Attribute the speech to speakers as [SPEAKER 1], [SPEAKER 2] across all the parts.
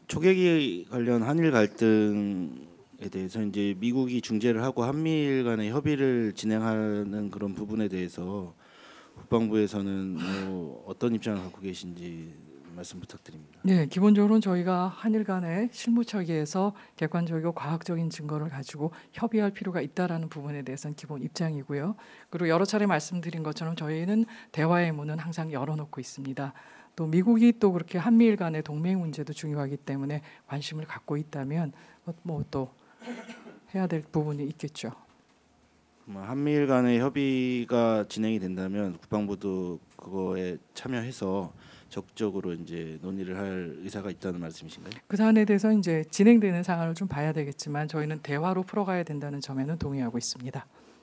[SPEAKER 1] 초계기 관련 한일 갈등에 대해서 이제 미국이 중재를 하고 한미일 간의 협의를 진행하는 그런 부분에 대해서 국방부에서는 뭐 어떤 입장을 갖고 계신지 말씀 부탁드립니다.
[SPEAKER 2] 네, 기본적으로는 저희가 한일 간의 실무처기에서 객관적이고 과학적인 증거를 가지고 협의할 필요가 있다라는 부분에 대해서는 기본 입장이고요. 그리고 여러 차례 말씀드린 것처럼 저희는 대화의 문은 항상 열어놓고 있습니다. 또 미국이 또 그렇게 한미일 간의 동맹 문제도 중요하기 때문에 관심을 갖고 있다면 뭐 또 해야 될 부분이 있겠죠.
[SPEAKER 1] 한미일 간의 협의가 진행이 된다면 국방부도 그거에 참여해서 적극적으로 이제 논의를 할 의사가 있다는 말씀이신가요?
[SPEAKER 2] 그 사안에 대해서 이제 진행되는 상황을 좀 봐야 되겠지만 저희는 대화로 풀어가야 된다는 점에는 동의하고 있습니다.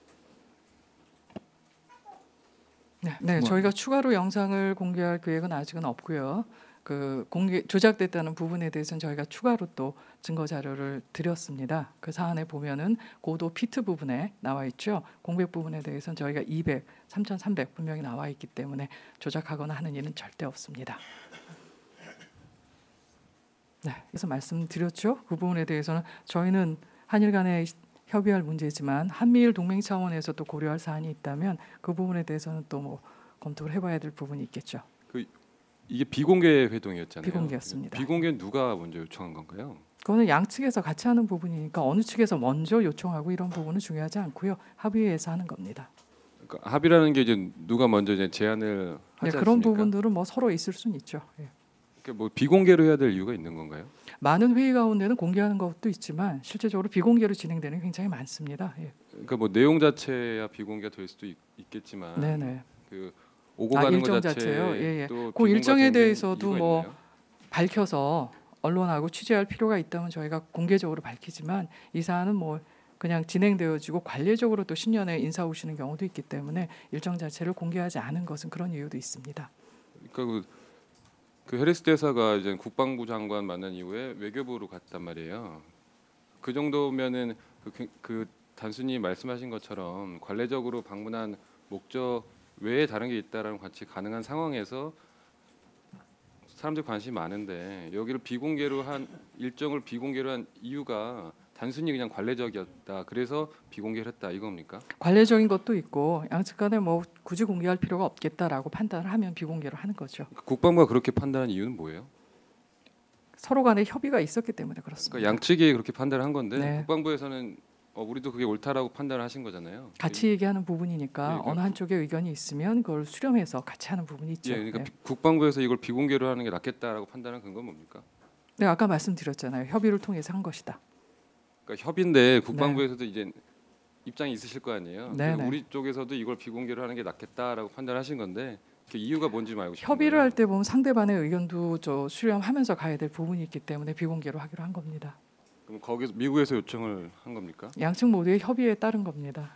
[SPEAKER 2] 네, 저희가 추가로 영상을 공개할 계획은 아직은 없고요. 그 조작됐다는 부분에 대해서는 저희가 추가로 또 증거 자료를 드렸습니다. 그 사안에 보면은 고도 피트 부분에 나와 있죠. 공백 부분에 대해서는 저희가 200, 3,300 분명히 나와 있기 때문에 조작하거나 하는 일은 절대 없습니다. 네, 그래서 말씀드렸죠. 그 부분에 대해서는 저희는 한일 간의 협의할 문제지만 한미일 동맹 차원에서 또 고려할 사안이 있다면 그 부분에 대해서는 또 뭐 검토를 해봐야 될 부분이 있겠죠.
[SPEAKER 3] 이게 비공개 회동이었잖아요.
[SPEAKER 2] 비공개였습니다.
[SPEAKER 3] 비공개는 누가 먼저 요청한 건가요?
[SPEAKER 2] 그거는 양측에서 같이 하는 부분이니까 어느 측에서 먼저 요청하고 이런 부분은 중요하지 않고요. 합의해서 하는 겁니다.
[SPEAKER 3] 그러니까 합의라는 게 이제 누가 먼저 이제 제안을 하지
[SPEAKER 2] 네, 그런
[SPEAKER 3] 않습니까?
[SPEAKER 2] 부분들은 뭐 서로 있을 수는 있죠. 예.
[SPEAKER 3] 그러니까 뭐 비공개로 해야 될 이유가 있는 건가요?
[SPEAKER 2] 많은 회의 가운데는 공개하는 것도 있지만 실제적으로 비공개로 진행되는 게 굉장히 많습니다. 예.
[SPEAKER 3] 그러니까 뭐 내용 자체야 비공개가 될 수도 있겠지만
[SPEAKER 2] 네네.
[SPEAKER 3] 그 오고 가는
[SPEAKER 2] 일정
[SPEAKER 3] 것
[SPEAKER 2] 자체요. 예.
[SPEAKER 3] 또
[SPEAKER 2] 그 일정에
[SPEAKER 3] 비공개가 된
[SPEAKER 2] 대해서도
[SPEAKER 3] 이유가
[SPEAKER 2] 뭐
[SPEAKER 3] 있나요?
[SPEAKER 2] 밝혀서 언론하고 취재할 필요가 있다면 저희가 공개적으로 밝히지만 이 사안은 뭐 그냥 진행되어지고 관례적으로 또 신년에 인사 오시는 경우도 있기 때문에 일정 자체를 공개하지 않은 것은 그런 이유도 있습니다.
[SPEAKER 3] 그러니까 그 해리스 대사가 이제 국방부 장관 만난 이후에 외교부로 갔단 말이에요. 그 정도면은 그 단순히 말씀하신 것처럼 관례적으로 방문한 목적 외에 다른 게 있다라는 관측 가능한 상황에서 사람들 관심이 많은데 여기를 비공개로 한 일정을 비공개로 한 이유가 단순히 그냥 관례적이었다. 그래서 비공개를 했다 이겁니까?
[SPEAKER 2] 관례적인 것도 있고 양측 간에 뭐 굳이 공개할 필요가 없겠다라고 판단을 하면 비공개로 하는 거죠.
[SPEAKER 3] 국방부가 그렇게 판단한 이유는 뭐예요?
[SPEAKER 2] 서로 간에 협의가 있었기 때문에 그렇습니다.
[SPEAKER 3] 그러니까 양측이 그렇게 판단을 한 건데
[SPEAKER 2] 네.
[SPEAKER 3] 국방부에서는 우리도 그게 옳다라고 판단을 하신 거잖아요.
[SPEAKER 2] 같이 얘기하는 부분이니까
[SPEAKER 3] 예,
[SPEAKER 2] 어느 한쪽의 의견이 있으면 그걸 수렴해서 같이 하는 부분이 있죠.
[SPEAKER 3] 예, 그러니까
[SPEAKER 2] 네.
[SPEAKER 3] 국방부에서 이걸 비공개로 하는 게 낫겠다라고 판단한 근거는 뭡니까?
[SPEAKER 2] 네, 아까 말씀드렸잖아요. 협의를 통해서 한 것이다.
[SPEAKER 3] 그러니까 협의인데 국방부에서도 이제 입장이 있으실 거 아니에요.
[SPEAKER 2] 네,
[SPEAKER 3] 그래서
[SPEAKER 2] 네.
[SPEAKER 3] 우리 쪽에서도 이걸 비공개로 하는 게 낫겠다라고 판단하신 건데 그 이유가 뭔지 좀 알고 싶은
[SPEAKER 2] 협의를
[SPEAKER 3] 거예요.
[SPEAKER 2] 할 때 보면 상대방의 의견도 수렴하면서 가야 될 부분이 있기 때문에 비공개로 하기로 한 겁니다.
[SPEAKER 3] 그럼 거기서 미국에서 요청을 한 겁니까?
[SPEAKER 2] 양측 모두의 협의에 따른 겁니다.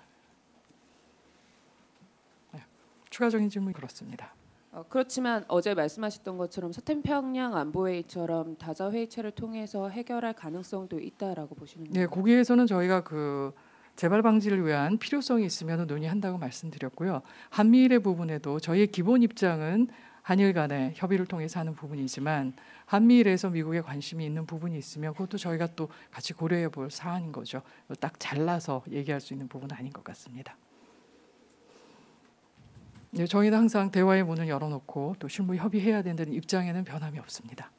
[SPEAKER 2] 네. 추가적인 질문 그렇습니다.
[SPEAKER 4] 그렇지만 어제 말씀하셨던 것처럼 서태평양 안보회의처럼 다자 회의체를 통해서 해결할 가능성도 있다라고 보시는
[SPEAKER 2] 네,
[SPEAKER 4] 건가요?
[SPEAKER 2] 거기에서는 저희가 그 재발 방지를 위한 필요성이 있으면 논의한다고 말씀드렸고요. 한미일의 부분에도 저희의 기본 입장은 한일 간의 협의를 통해서 하는 부분이지만 한미일에서 미국에 관심이 있는 부분이 있으면 그것도 저희가 또 같이 고려해 볼 사안인 거죠. 딱 잘라서 얘기할 수 있는 부분은 아닌 것 같습니다. 네, 저희는 항상 대화의 문을 열어놓고 또 실무 협의해야 된다는 입장에는 변함이 없습니다.